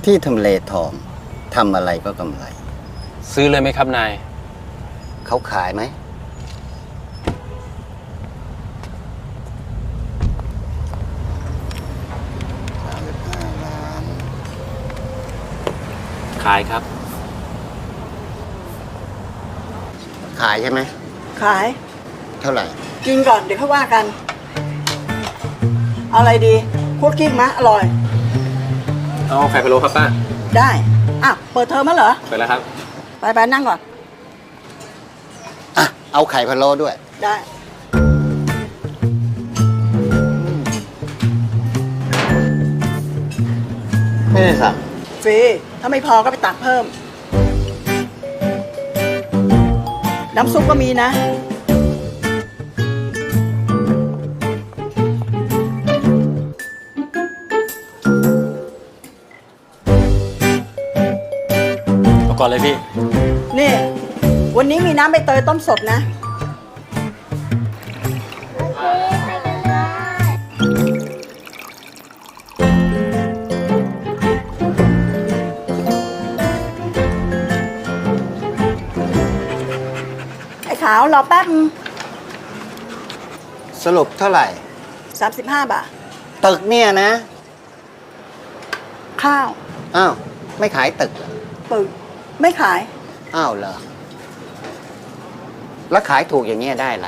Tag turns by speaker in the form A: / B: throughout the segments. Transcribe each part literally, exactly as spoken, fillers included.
A: ที่ทำเลทองทำอะไรก็กำไร
B: ซื้อเลยไหมครับนาย
A: เขาขายไหมสามสิบห้าล้าน
B: ขายครับ
A: ขายใช่ไหม
C: ขาย
A: เท่าไหร่
C: กินก่อนเดี๋ยวเขาว่ากันเอาอะไรดีคั่วกิ้งมะอร่อย
B: เอาไข่พะโล้ครับป้า
C: ได้อ่ะเปิดเทอมมั้ยเหรอ
B: เปิดแล้วครับ
C: ไปไปนั่งก่อน
A: อ่ะเอาไข่พะโล้ด้วย
C: ได้
A: ไม่ได้สั่ง
C: ฟรีถ้าไม่พอก็ไปตักเพิ่มน้ำซุปก็มีนะ
B: เอาก่อนเลยพี่
C: นี่วันนี้มีน้ำใบเตยต้มสดนะไอ้ขาวรอแป๊บ
A: สรุปเท่าไหร่
C: สามสิบห้าบาท
A: ตึกเนี่ยนะ
C: ข้าว
A: อ้าวไม่ขายตึก
C: ตึกไม่ขาย
A: อ้าวเหรอแล้วขายถูกอย่างเงี้ยได้อะไร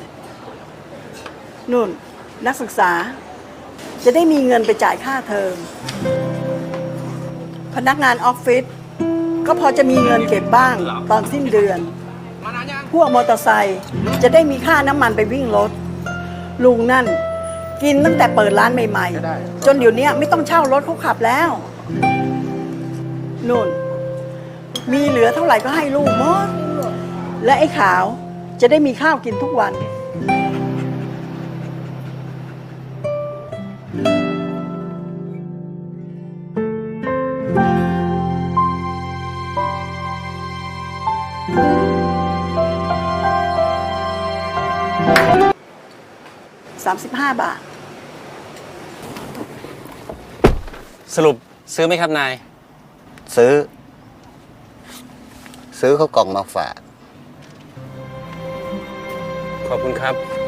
C: นุ่นนักศึกษาจะได้มีเงินไปจ่ายค่าเทอมพนักงานออฟฟิศก็พอจะมีเงินเก็บบ้างตอนสิ้นเดือนพวกมอเตอร์ไซค์จะได้มีค่าน้ำมันไปวิ่งรถลุงนั่นกินตั้งแต่เปิดร้านใหม่ๆจนเดี๋ยวนี้ไม่ต้องเช่ารถเขาขับแล้วนุ่นมีเหลือเท่าไหร่ก็ให้ลูกหมดและไอ้ขาวจะได้มีข้าวกินทุกวันสามสิบห้าบาท
B: สรุปซื้อไหมครับนาย
A: ซื้อซื้อเขากล่องมาฝาก
B: ขอบคุณครับ